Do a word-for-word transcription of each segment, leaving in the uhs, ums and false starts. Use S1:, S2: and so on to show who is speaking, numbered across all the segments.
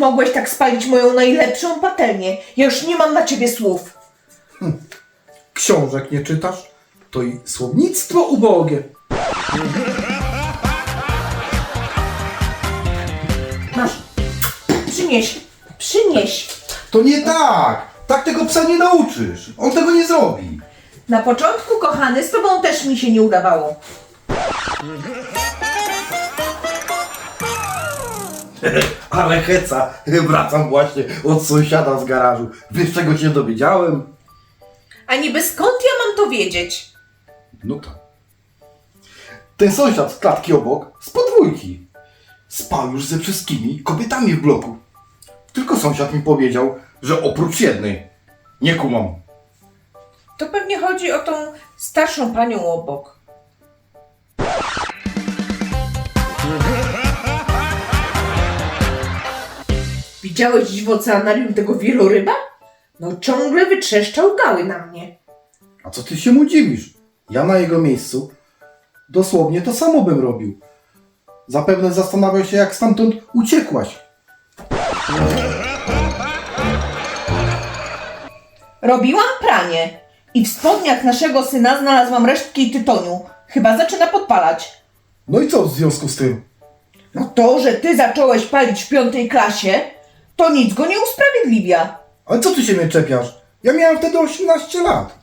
S1: mogłeś tak spalić moją najlepszą patelnię? Ja już nie mam na ciebie słów.
S2: Hm. Książek nie czytasz? To i słownictwo ubogie.
S1: Masz. Przynieś. Przynieś.
S2: To nie tak! Tak tego psa nie nauczysz. On tego nie zrobi.
S1: Na początku, kochany, z tobą też mi się nie udawało.
S2: Ale heca. Wracam właśnie od sąsiada z garażu. Wiesz, czego się dowiedziałem?
S1: A niby skąd ja mam to wiedzieć?
S2: No tak. Ten sąsiad z klatki obok, z podwójki, spał już ze wszystkimi kobietami w bloku. Tylko sąsiad mi powiedział, że oprócz jednej. Nie kumam.
S1: To pewnie chodzi o tą starszą panią obok. Widziałeś dziś w oceanarium tego wieloryba? No ciągle wytrzeszczał gały na mnie.
S2: A co ty się mu dziwisz? Ja na jego miejscu dosłownie to samo bym robił. Zapewne zastanawiał się, jak stamtąd uciekłaś.
S1: Robiłam pranie i w spodniach naszego syna znalazłam resztki tytoniu. Chyba zaczyna podpalać.
S2: No i co w związku z tym?
S1: No to, że ty zacząłeś palić w piątej klasie, to nic go nie usprawiedliwia.
S2: Ale co ty się mnie czepiasz? Ja miałem wtedy osiemnaście lat.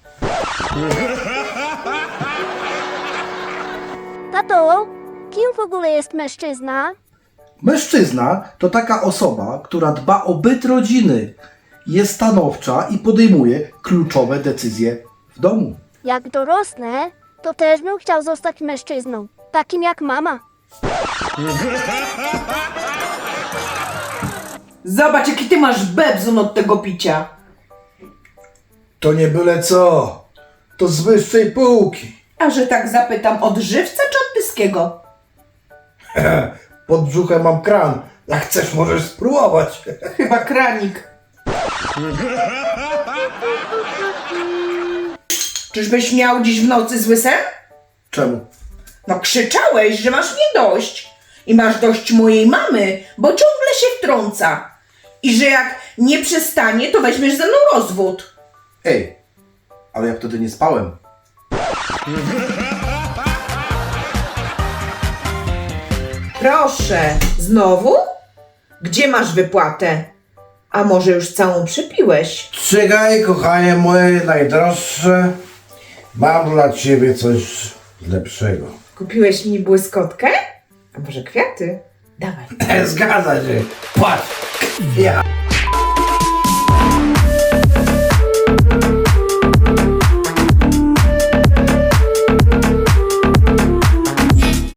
S3: Tato, kim w ogóle jest mężczyzna?
S2: Mężczyzna to taka osoba, która dba o byt rodziny, jest stanowcza i podejmuje kluczowe decyzje w domu.
S3: Jak dorosnę, to też bym chciał zostać mężczyzną, takim jak mama.
S1: Zobacz, jaki ty masz bebzun od tego picia.
S2: To nie byle co. To z wyższej półki.
S1: A że tak zapytam, od żywca czy od pyskiego?
S2: Pod brzuchem mam kran. Jak chcesz, możesz spróbować.
S1: Chyba kranik. Czyżbyś miał dziś w nocy zły sen?
S2: Czemu?
S1: No krzyczałeś, że masz mnie dość. I masz dość mojej mamy, bo ciągle się wtrąca. I że jak nie przestanie, to weźmiesz ze mną rozwód.
S2: Ej, ale ja wtedy nie spałem.
S1: Proszę, znowu? Gdzie masz wypłatę? A może już całą przepiłeś?
S4: Czekaj, kochanie moje najdroższe, mam dla ciebie coś lepszego.
S1: Kupiłeś mi błyskotkę? A może kwiaty? Dawaj.
S4: Zgadza się, patrz, ja.